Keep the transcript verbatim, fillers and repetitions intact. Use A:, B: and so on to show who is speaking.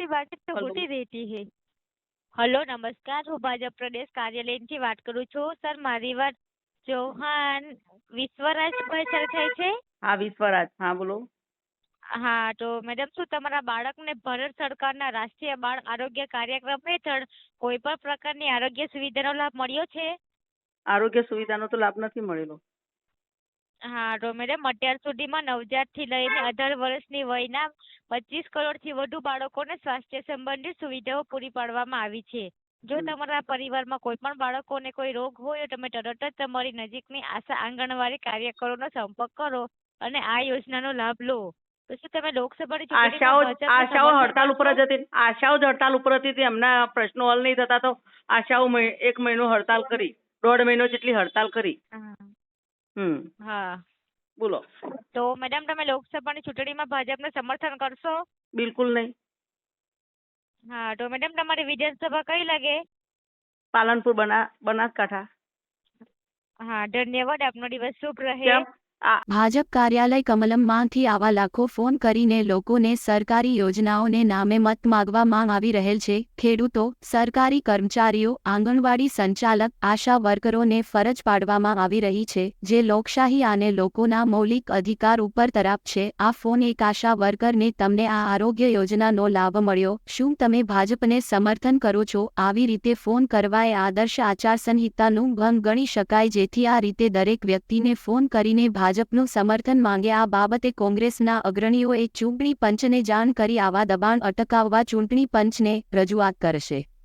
A: आपकी बातें तो
B: हेलो।
A: होती रहती है। हेलो नमस्कार, હું ભાજપ પ્રદેશ કાર્યાલયથી વાત કરું છું. સર મારી વાત ચૌહાણ વિશ્વરાજભાઈ સર થાય છે?
B: હા, વિશ્વરાજ. હા, બોલો.
A: હા, તો મેડમ શું તમારા બાળકને ભારત સરકારના રાષ્ટ્રીય બાળ આરોગ્ય કાર્યક્રમ હેઠળ કોઈ પણ પ્રકારની આરોગ્ય સુવિધાનો લાભ મળ્યો છે?
B: આરોગ્ય સુવિધાનો તો લાભ નથી મળેલો.
A: હા, તો મેડમ અત્યાર સુધીમાં નવજાતથી લઈને અઢાર વર્ષની વયના પચીસ કરોડથી વધુ બાળકોને સ્વાસ્થ્ય સંબંધિત સુવિધાઓ પૂરી પાડવામાં આવી છે. જો
B: હમ.
A: તમારા પરિવારમાં કોઈ પણ બાળકોને કોઈ રોગ હોય તો તમે તરત જ તમારી નજીકની આશા આંગણવાડી કાર્યકરોનો સંપર્ક કરો અને આ યોજનાનો લાભ લો. તો શું તમે લોકસભાની
B: આશાઓ
A: ચૂંટણીમાં ભાજપને
B: આશાઓ
A: સમર્થન
B: હડતાલ ઉપર
A: કરશો?
B: જ હતી. આશાઓ જ હડતાલ ઉપર હતી તે એમના પ્રશ્નો હલ નહીં થતા તો આશાઓ મહિ- એક મહિનો હડતાલ કરી, દોઢ મહિનો જેટલી હડતાલ કરી.
A: હા.
B: હમ.
A: હા.
B: બોલો.
A: તો મેડમ તમે લોકસભાની ચૂંટણીમાં ભાજપને સમર્થન કરશો?
B: બિલકુલ નહીં.
A: હા, તો મેડમ તમારી વિધાનસભા કઈ લાગે?
B: પાલનપુર, બના બનાસકાંઠા.
A: હા, ધન્યવાદ. આપનો દિવસ શુભ રહે.
B: કેમ? આ
C: ભાજપ કાર્યાલય કમલમમાંથી આવા લાખો ફોન કરીને લોકોને સરકારી યોજનાઓને નામે મત માગવામાં આવી રહેલ છે. ખેડૂતો, સરકારી કર્મચારીઓ, આંગણવાડી સંચાલક, આશા વર્કરોને ફરજ પાડવામાં આવી રહી છે, જે લોકશાહી અને લોકોના મૌલિક અધિકાર ઉપર તરાપ છે. આ ફોન એક આશા વર્કરને તમને આ આરોગ્ય યોજનાનો લાભ મળ્યો. શું તમે ભાજપને સમર્થન કરો છો? આવી રીતે ફોન કરવા એ આદર્શ આચારસંહિતાનું ભંગ ગણી શકાય, જેથી આ રીતે દરેક વ્યક્તિને ફોન કરીને ભાજપનું સમર્થન માંગે. આ બાબતે કોંગ્રેસના અગ્રણીઓએ ચૂંટણી પંચને જાણ કરી આવા દબાણ અટકાવવા ચૂંટણી પંચને રજૂઆત કરશે.